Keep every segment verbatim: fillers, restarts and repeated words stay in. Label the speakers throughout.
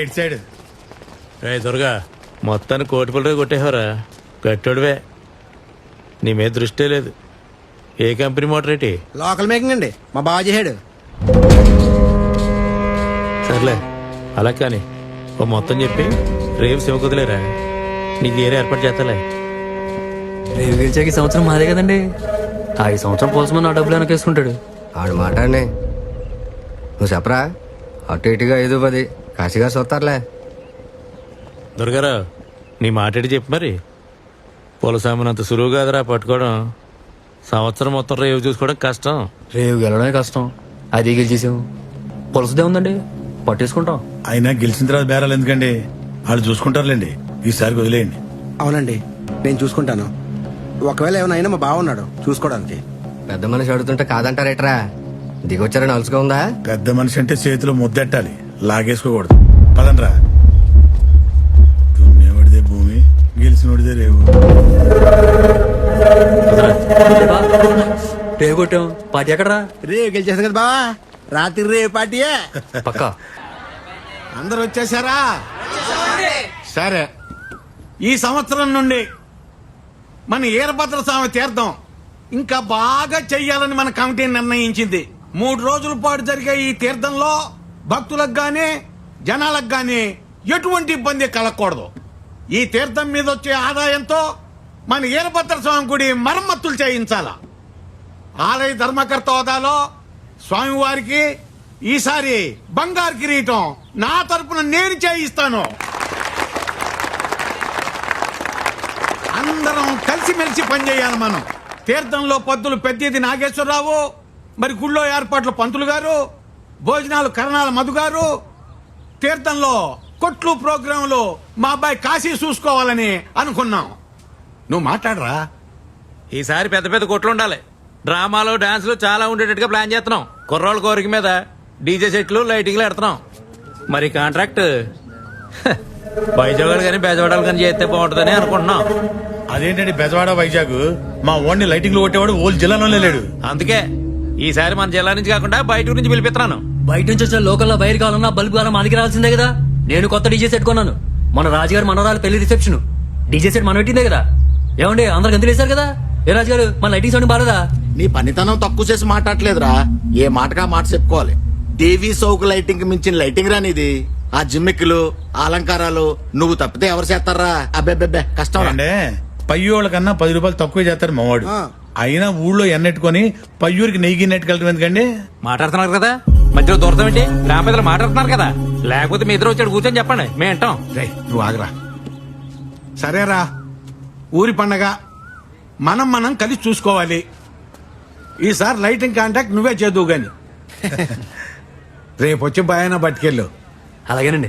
Speaker 1: ఇటు సైడ్.
Speaker 2: రే దుర్గా, మొత్తాన్ని కోటి పిల్లరే కొట్టేవరా. గట్టోడివే, నీ మీద దృష్టే లేదు. ఏ కంపెనీ మోటార్ ఏంటి?
Speaker 3: లోకల్ మేకింగ్ అండి, మా బావ చేసాడు.
Speaker 2: సర్లే అలా కానీ ఓ మొత్తం చెప్పి రేపు శివ కుదిలేరా, నీకు ఏరే ఏర్పాటు చేస్తాలే.
Speaker 4: రేపు గెలిచాక ఈ సంవత్సరం మాదే కదండి. ఆ ఈ సంవత్సరం పోల్సమని ఆ డబ్బులు వెనకేసుకుంటాడు.
Speaker 5: ఆడు మాట అండి, నువ్వు చెప్పరా. అటు ఇటుగా ఐదు పది కాశీగా చూస్తారులే.
Speaker 2: దుర్గారావు, నీ మాట్లాడి చెప్పు మరి. పొలసామునంత సులువు కాదురా పట్టుకోవడం. సంవత్సరం మొత్తం రేవు చూసుకోవడం కష్టం.
Speaker 4: రేపు గెలవడమే కష్టం, అది గెలిచేసాము. పొలసదే ఉందండి, పట్టేసుకుంటాం.
Speaker 1: అయినా గెలిచిన తర్వాత బేరాలు ఎందుకండి, వాళ్ళు చూసుకుంటారులేండి. ఈసారి వదిలేయండి.
Speaker 3: అవునండి, నేను చూసుకుంటాను. ఒకవేళ ఏమైనా అయినా మా బావ ఉన్నాడు చూసుకోవడానికి.
Speaker 5: పెద్ద మనిషి అడుగుతుంటే కాదంటారేట్రా? దిగొచ్చారని అలుసుగా ఉందా?
Speaker 1: పెద్ద మనిషి అంటే చేతిలో ముద్దెట్టాలి, లాగేసుకోకూడదు. పదండ్రా. దున్నేవాడిదే భూమి, గెలిచినోడిదే రేవు.
Speaker 4: రేపు కొట్టాం, పార్టీ ఎక్కడరా?
Speaker 3: రేపు గెలిచేసాం కదా బావా, రాత్రి రేపు పార్టీయే
Speaker 4: పక్కా.
Speaker 6: అందరు వచ్చేసారా? సరే, ఈ సంవత్సరం నుండి మన ఈరభద్ర స్వామి తీర్థం ఇంకా బాగా చెయ్యాలని మన కమిటీ నిర్ణయించింది. మూడు రోజుల పాటు జరిగే ఈ తీర్థంలో భక్తులకు గాని జనాలకు గాని ఎటువంటి ఇబ్బంది కలగకూడదు. ఈ తీర్థం మీద వచ్చే ఆదాయంతో మన ఈరభద్ర స్వామి గుడి మరమ్మతులు చేయించాల. ఆలయ ధర్మకర్త హోదాలో స్వామివారికి ఈసారి బంగారు కిరీటం నా తరపున నేను చేయిస్తాను. అందరం కలిసిమెలిసి పనిచేయాలి. మనం తీర్థంలో పద్దులు పెద్దది నాగేశ్వరరావు, మరి గుళ్ళో ఏర్పాట్లు పంతులు గారు, భోజనాలు కరణాల మధు గారు, తీర్థంలో కొట్లు ప్రోగ్రాంలు మా అబ్బాయి కాశీ చూసుకోవాలని అనుకున్నాం. నువ్వు మాట్లాడరా.
Speaker 2: ఈసారి పెద్ద పెద్ద కొట్లు ఉండాలి. డ్రామాలు డాన్సులు చాలా ఉండేటట్టుగా ప్లాన్ చేస్తున్నాం. కుర్రోళ్ళ కోరిక మీద డీజే సెట్లు లైటింగ్లు పెడుతున్నాం. మరి కాంట్రాక్ట్ వైజాగ్ కానీ బెజవాడలు కానీ చేస్తే బాగుంటుందని అనుకుంటున్నాం.
Speaker 1: అదేంటండి బెజవాడ వైజాగ్, మా ఓన్ని లైటింగ్ లో కొట్టేవాడు ఓల్ జిల్లాలోనే లేడు.
Speaker 2: అందుకే ఈసారి మన జిల్లా నుంచి కాకుండా బయట ఊరి నుంచి పిలిపిస్తున్నాను.
Speaker 4: బయట నుంచి వచ్చే లోకల్లో వైర్ కావాలన్నా బల్బు కావాలన్నా మనకి రావాల్సిందే కదా. నేను కొత్త డీజే సెట్ కొన్నాను. మన రాజుగారు మనవరాలు పెళ్లి రిసెప్షన్ డీజే సెట్ మనం పెట్టిందే కదా. ఏమండి అందరికి ఎంత వేశారు కదా. ఏ రాజుగారు మన లైటింగ్ సౌండ్ బాలేదా?
Speaker 7: నీ పనితనం తక్కువ చేసి మాట్లాడలేదురా, ఏ మాటగా మాట చెప్పుకోవాలి. టీవీ సౌకు లైటింగ్ మించిన లైటింగ్ రానిది. ఆ జిమ్మిక్కులు అలంకారాలు నువ్వు తప్పితే ఎవరు చేస్తారా? అబ్బెబ్బెబ్బే కష్టం.
Speaker 1: అంటే పయ్యోళ్ళ కన్నా పది రూపాయలు తక్కువ చేస్తారు మావాడు. అయినా ఊళ్ళో ఎన్నెట్టుకొని పయ్యూరికి నెయ్యి నెట్టుకెళ్ళటం ఎందుకండి?
Speaker 2: మాట్లాడుతున్నారు కదా, మధ్యలో దూరతం ఏంటి? గ్రామ పెద్దలు మాట్లాడుతున్నారు కదా, లేకపోతే మీ ఇద్దరు వచ్చాడు కూర్చొని చెప్పండి, మేము వింటాం.
Speaker 6: రే నువ్వు ఆగరా. సరేరా, ఊరి పండగ మనం మనం కలిసి చూసుకోవాలి. ఈసారి లైటింగ్ కాంటాక్ట్ నువ్వే చేద్దువు గాని. రేపు వచ్చి భయాన పట్టుకెళ్ళు.
Speaker 4: అలాగేనండి.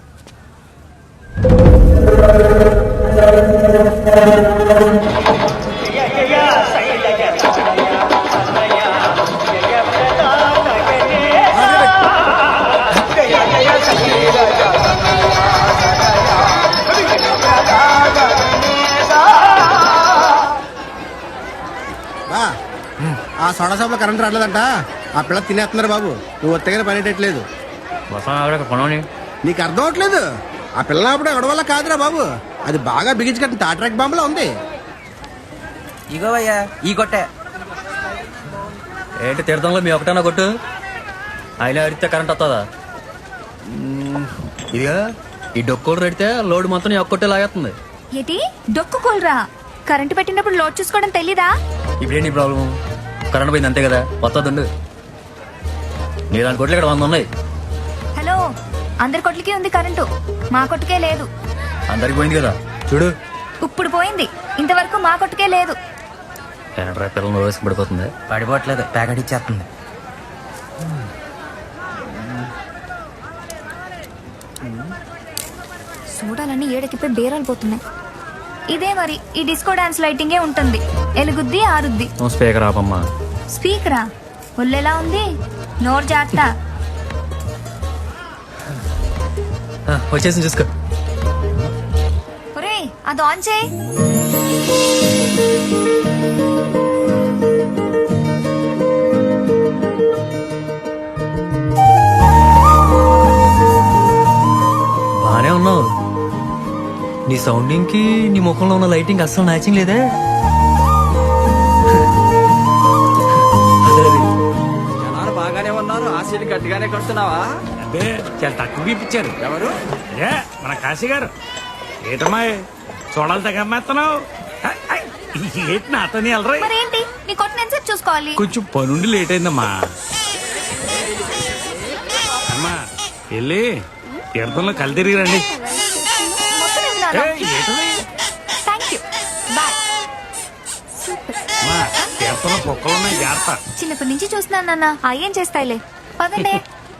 Speaker 3: ఆ సోడా షాప్ లో కరెంట్ రావట్లేదంట, ఆ పిల్ల తినేస్తున్నారు బాబు. నువ్వు ఒత్తగానే పనిటట్లేదు. నీకు అర్థం అవట్లేదు. ఆ పిల్ల అప్పుడు ఎవడ వల్ల కాదురా బాబు, అది బాగా బిగించి కట్టిన టాట్రాక్ బాంబులో ఉంది.
Speaker 8: ఇగోవయ్యా ఈ కొట్టే
Speaker 4: ఏంటి తీర్థంలో మీ ఒకటన్నా కొట్టు, అయినా అడిగితే కరెంట్ వస్తుందా? ఇదిగా ఈ డొక్కోలు పెడితే లోడ్ మొత్తం నీ ఒక్కొట్టే లాగేస్తుంది.
Speaker 9: ఏంటి డొక్కు కూలరా? కరెంటు పెట్టినప్పుడు లోడ్ చూసుకోవడం తెలీదా?
Speaker 4: ఇప్పుడేంటి ప్రాబ్లం? కరెంట్ పోయింది అంతే కదా, వస్తుందండి. నీ దాని కొట్లు ఇక్కడ వంద ఉన్నాయి.
Speaker 9: హలో, అందరి కొట్లకి ఉంది కరెంటు, మా కొట్టుకే లేదు.
Speaker 4: అందరికి పోయింది కదా చూడు.
Speaker 9: ఇప్పుడు పోయింది, ఇంతవరకు మా కొట్టుకే లేదు.
Speaker 4: కరెంట్ పిల్లలు వేసుకు పడిపోతుంది.
Speaker 8: పడిపోవట్లేదు, ప్యాకెట్ ఇచ్చేస్తుంది.
Speaker 9: చూడాలని ఏడకిపోయి బేరాలు పోతున్నాయి. ఇదే మరి ఈ డిస్కో డాన్స్ లైటింగే ఉంటుంది, ఎలుగుద్ది ఆరుద్ది.
Speaker 4: స్పీకర్ ఆపమ్మా.
Speaker 9: స్పీకరా? ఒళ్ళెలా ఉంది, నోరు జాగ్రత్త.
Speaker 4: వచ్చేసి చూసుకో.
Speaker 9: ఒరే అది ఆన్ చేయి.
Speaker 4: సౌండింగ్ కి నీ ముఖంలో ఉన్న లైటింగ్ అస్సలు మ్యాచింగ్ లేదే.
Speaker 8: జనాలు బాగానే ఉన్నారు, ఆ సీట్ గట్టిగానే కడుతున్నావా?
Speaker 2: అదే చాలా తక్కువ ఇప్పించారు.
Speaker 8: ఎవరు?
Speaker 2: అదే మన కాశీ గారు. ఏటమ్మా చూడాలి తగ్గమ్మేస్తున్నావు? ఏంటి నాతోని వెళ్ళరా?
Speaker 9: మరేంటి నీ కొట్టిన ఎంతసేపు చూసుకోవాలి?
Speaker 2: కొంచెం పనుండి లేట్ అయిందమ్మా. అమ్మా వెళ్ళి తీర్థంలో కళ్ళు తిరిగి రండి.
Speaker 9: మొత్తం ఏం నాన్న?
Speaker 2: ఏయ్, ఏంటది?
Speaker 9: Thank you boy. సూపర్.
Speaker 2: అమ్మా తీర్థంలో కుక్కలు ఉన్నాయి, జాగ్రత్త.
Speaker 9: చిన్నప్పటి నుంచి చూస్తున్నాను నాన్న, అయ్యేం చేస్తాయిలే. పదండి.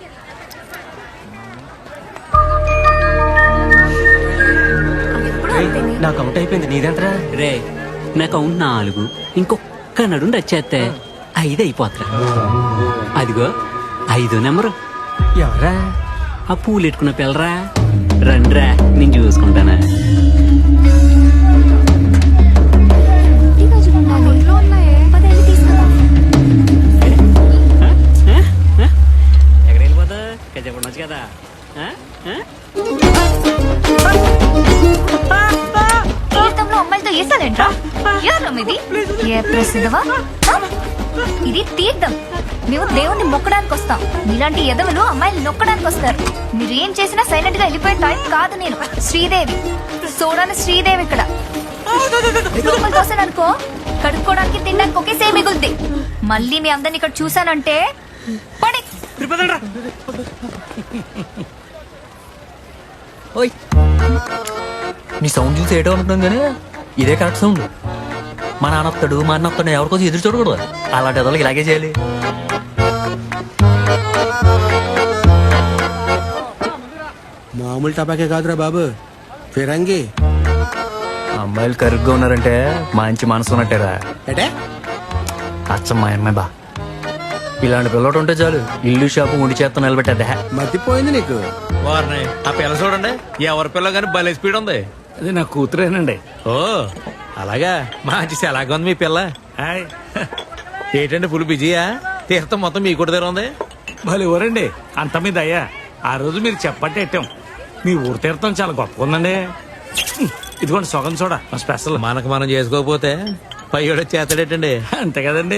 Speaker 9: ఎప్పుడు అంతేనే.
Speaker 8: నాకు అవుట్ అయిపోయింది, నీదెంతరా?
Speaker 4: రే నాకు అవును నాలుగు, ఇంకొక్క నడు రచ్చేస్తే ఐదు అయిపోతురా. అదిగో ఐదో నెంబరు. ఎవరా ఆ పూలు ఎట్టుకున్న పిల్లరా? రండ్రా నేను చూసుకుంటానా.
Speaker 9: ఈ రోజులు ఉండాలి. పదేళ్ళు తీసుకుందాం.
Speaker 4: ఎక్కడ వెళ్ళిపోతా కజా ఉండొచ్చు కదా. ఆ? ఆ?
Speaker 9: తీర్థంలో అమ్మాయిలతో వేసాలేంట్రా? ఎవరు ఇది? ఏ ప్రసిద్ధవా? హ? ఇది తీర్థం. మేము దేవుణ్ణి మొక్కడానికి వస్తాం. మీలాంటి ఎదవలు అమ్మాయిలు నొక్కడానికి వస్తారు. మీరు ఏం చేసినా సైలెంట్ గా వెళ్ళిపోయే టైప్ కాదు నేను. శ్రీదేవి చూడని శ్రీదేవి ఇక్కడ. లోపల తోసాననుకో కడుక్కోవడానికి తినడానికి ఒకేసే మిగులుద్ది. మళ్ళీ మీ అందరిని ఇక్కడ చూసానంటే పడి.
Speaker 4: ఓయ్ నీ సౌండ్ చూసి ఏటో అనుకున్నాం కానీ ఇదే కరెక్ట్ సౌండ్. మా నాన్న వస్తాడు, మా అన్న వస్తాడు, ఎవరికోసం ఎదురు చూడకూడదు. అలాంటి ఎదలకి ఇలాగే చేయాలి.
Speaker 3: మామూలు టపాకే కాదురా బాబు, ఫిరంగి.
Speaker 4: అమ్మాయిలు కరుగ్గా ఉన్నారంటే మంచి మనసు ఉన్నట్టేరా.
Speaker 3: అంటే
Speaker 4: అచ్చం మా అమ్మాయి బా. ఇలాంటి పిల్లడు ఉంటే చాలు ఇల్లు షాపు ఉండి చేత్తో నిలబెట్టేదే.
Speaker 3: మర్చిపోయింది నీకు.
Speaker 2: వారిని ఆ పిల్ల చూడండి, ఎవరి పిల్ల కానీ భలే స్పీడ్ ఉంది. అది నా కూతురేనండి. ఓ అలాగా, మంచి ఎలాగ ఉంది మీ పిల్ల? హాయ్. ఏంటండి ఫుల్ బిజీయా? తీర్థం మొత్తం మీ కూడా దగ్గర ఉంది. భలే ఊరండి, అంత మీద అయ్యా. ఆ రోజు మీరు చెప్పట్టే ఎట్టాం. మీ ఊరు తీర్థం చాలా గొప్పగా ఉందండి. ఇదిగోండి సొగం చూడ స్పెషల్. మనకు మనం చేసుకోకపోతే పయ్యోడు చేస్తాడేటండి. అంతే కదండి.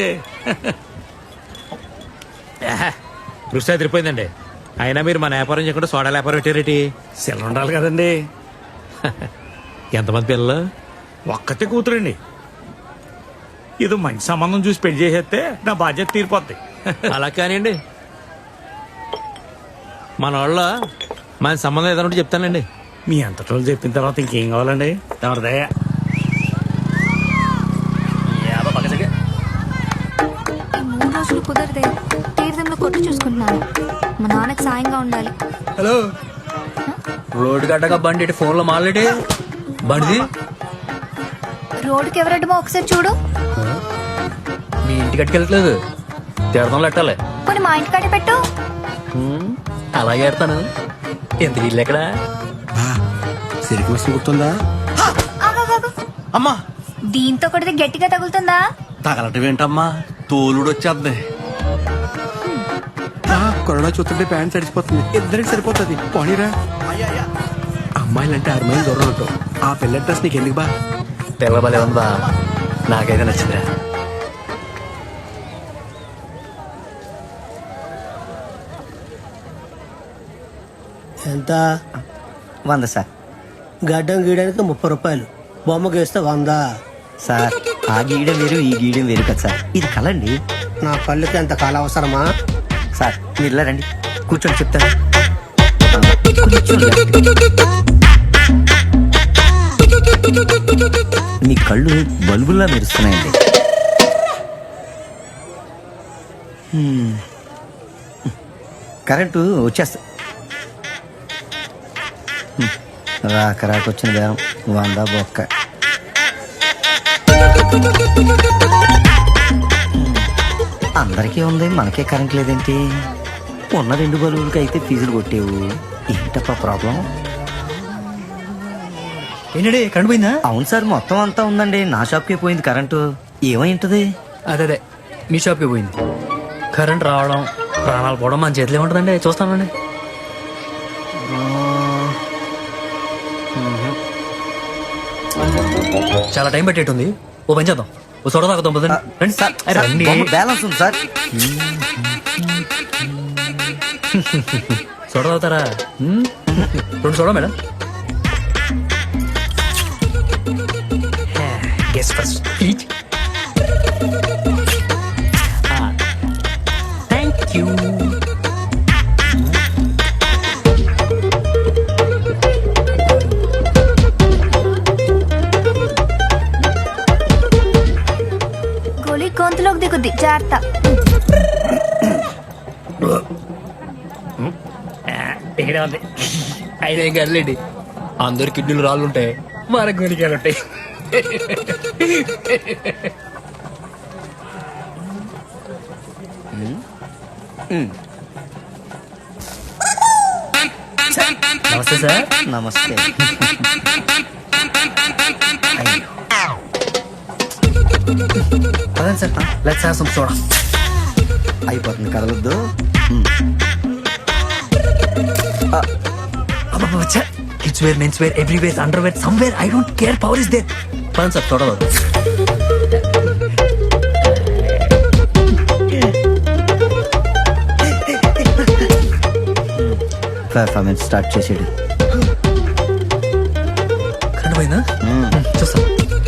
Speaker 2: రుచి అదిరిపోయిందండి. అయినా మీరు మన వ్యాపారం చేయకుండా సోడా వ్యాపారం పెట్టారేటి? సెల్ ఉండాలి కదండి. ఎంతమంది పిల్లలు? ఒక్కతే కూతురండి. ఇది మంచి సంబంధం చూసి పెళ్లి చేసేస్తే నా బాధ్యత తీరిపోద్ది. అలా కానివ్వండి. మన వాళ్ళ మన సంబంధం ఏదైనా చెప్తానండి. మీ అంతటోళ్ళు చెప్పిన తర్వాత ఇంకేం కావాలండి? ఎవరిదయ్యా
Speaker 9: ఈ మూడు రోజులు కుదరదే. తీర్థంలో కొట్టు చూసుకుంటున్నాను. మా నాన్నకి సాయంగా ఉండాలి.
Speaker 4: హలో రోడ్డు గడ్డగా బండి ఇటు ఫోన్లో మాట్లాడి బండిది.
Speaker 9: రోడ్డుకి ఎవరడ్డమో ఒకసారి చూడు.
Speaker 4: మీ ఇంటికి అట్టుకెళ్ళట్లేదు, తీర్థంలో ఎట్టాలి.
Speaker 9: కొన్ని మా ఇంటికాడే పెట్టు.
Speaker 4: హ్మ్, అలాగే ఎడతాను. ఎంత ఇల్లు ఎక్కడ?
Speaker 3: సిరికి మస్తు గుర్తుందా?
Speaker 9: ఆగాగాగు.
Speaker 8: అమ్మా
Speaker 9: దీంతో కొడితే గట్టిగా తగులుతుందా?
Speaker 8: తగలటం ఏంటమ్మా, తోలుడు వచ్చేద్ది.
Speaker 3: కరోనా చూస్తుంటే ప్యాంట్ సరిపోతుంది, ఇద్దరికి సరిపోతుంది. పోనీరా. అమ్మాయిలంటే ఆరు మైలు దూరం ఉంటావు. ఆ పిల్ల డ్రెస్ నీకు ఎందుకు బా?
Speaker 4: పిల్ల బలే ఉందా? నాకైతే నచ్చిందిరా.
Speaker 3: ఎంత?
Speaker 8: వంద సార్.
Speaker 3: గడ్డం గీయడానికి ముప్పై రూపాయలు, బొమ్మ గీస్తే వంద.
Speaker 8: సార్ ఆ గీయడం వేరు, ఈ గీయడం వేరు కదా సార్. ఇది కలండి.
Speaker 3: నా కళ్ళకి ఎంత కాలం అవసరమా?
Speaker 8: సార్ మీరు ఇలా రండి, కూర్చొని చెప్తాను. మీ కళ్ళు బల్బుల్లా మెరుస్తున్నాయండి. హ్మ్. కరెంటు వచ్చేస్తా. హ్మ్. రాక రాక వచ్చిన బేరం వంద బొక్క. అందరికీ ఉంది, మనకే కరెంట్ లేదేంటి? ఉన్న రెండు బల్బులకి అయితే ఫీజులు కొట్టేవు. ఏంటప్పా ప్రాబ్లం?
Speaker 4: ఏంటండి కరెంట్ పోయిందా?
Speaker 8: అవును సార్, మొత్తం అంతా ఉందండి. నా షాప్కే పోయింది కరెంటు. ఏమైంటది?
Speaker 4: అదే అదే మీ షాప్కి పోయింది. కరెంట్ రావడం ప్రాణాలు పోవడం మన చేతిలో ఉంటుందండి. చూస్తానండి. చాలా టైం పెట్టేటుంది. ఓ పని చేద్దాం, ఓ సోడా తాగుతాం పదండి. రండి.
Speaker 8: సార్,
Speaker 4: అరే,
Speaker 8: సార్,
Speaker 4: రండి.
Speaker 8: బొమ్మ బ్యాలెన్స్ ఉంది సార్.
Speaker 4: సోడా తాగుతారా? మ్మ్. రెండు soda madam. Guess first. Thank you.
Speaker 9: గోళీ గొంతులోకి దిగుద్ది, జాగ్రత్త.
Speaker 4: ఇక్కడ ఉంది. అయినా ఏం కదలేండి, అందరు కిడ్నీలు రాళ్ళు ఉంటాయి, మన గొనికాయలు ఉంటాయి. నమస్తే సార్.
Speaker 8: నమస్తే.
Speaker 4: అదే sir, let's have some soda.
Speaker 8: అయిపోతుంది, కదలొద్దు.
Speaker 4: Kids wear, mens wear, everywhere, underwear, somewhere, I don't care, power is there. పదండి సార్, సోడా తాగుదాం.
Speaker 8: పర్ఫార్మెన్స్ స్టార్ట్ చేసాడు.
Speaker 4: కరెంట్ పోయిందా? చూస్తాం.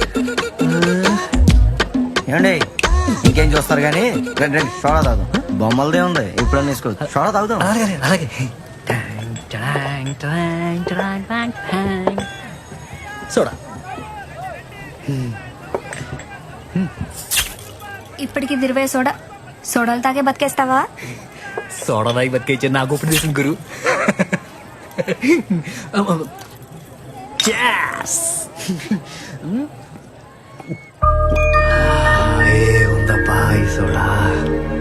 Speaker 8: ఏమండి, ఇంకేం చూస్తారు కానీ రండి రండి, సోడా తాగుదాం. బొమ్మలదే ఉంది, ఎప్పుడన్నా వేసుకోవచ్చు. సోడా తాగుదాం.
Speaker 4: అలాగే అలాగే. టాంగ్, టాంగ్, టాంగ్, టాంగ్, టాంగ్. సోడా.
Speaker 9: ఇప్పటికి దిరివే సోడా. సోడాలు తాగే బతికేస్తావా?
Speaker 4: సోడా తాగి బతికేచ్చే నాకు ఇప్పుడు చేసిన గురు. ఉందప్పా ఈ సోడా.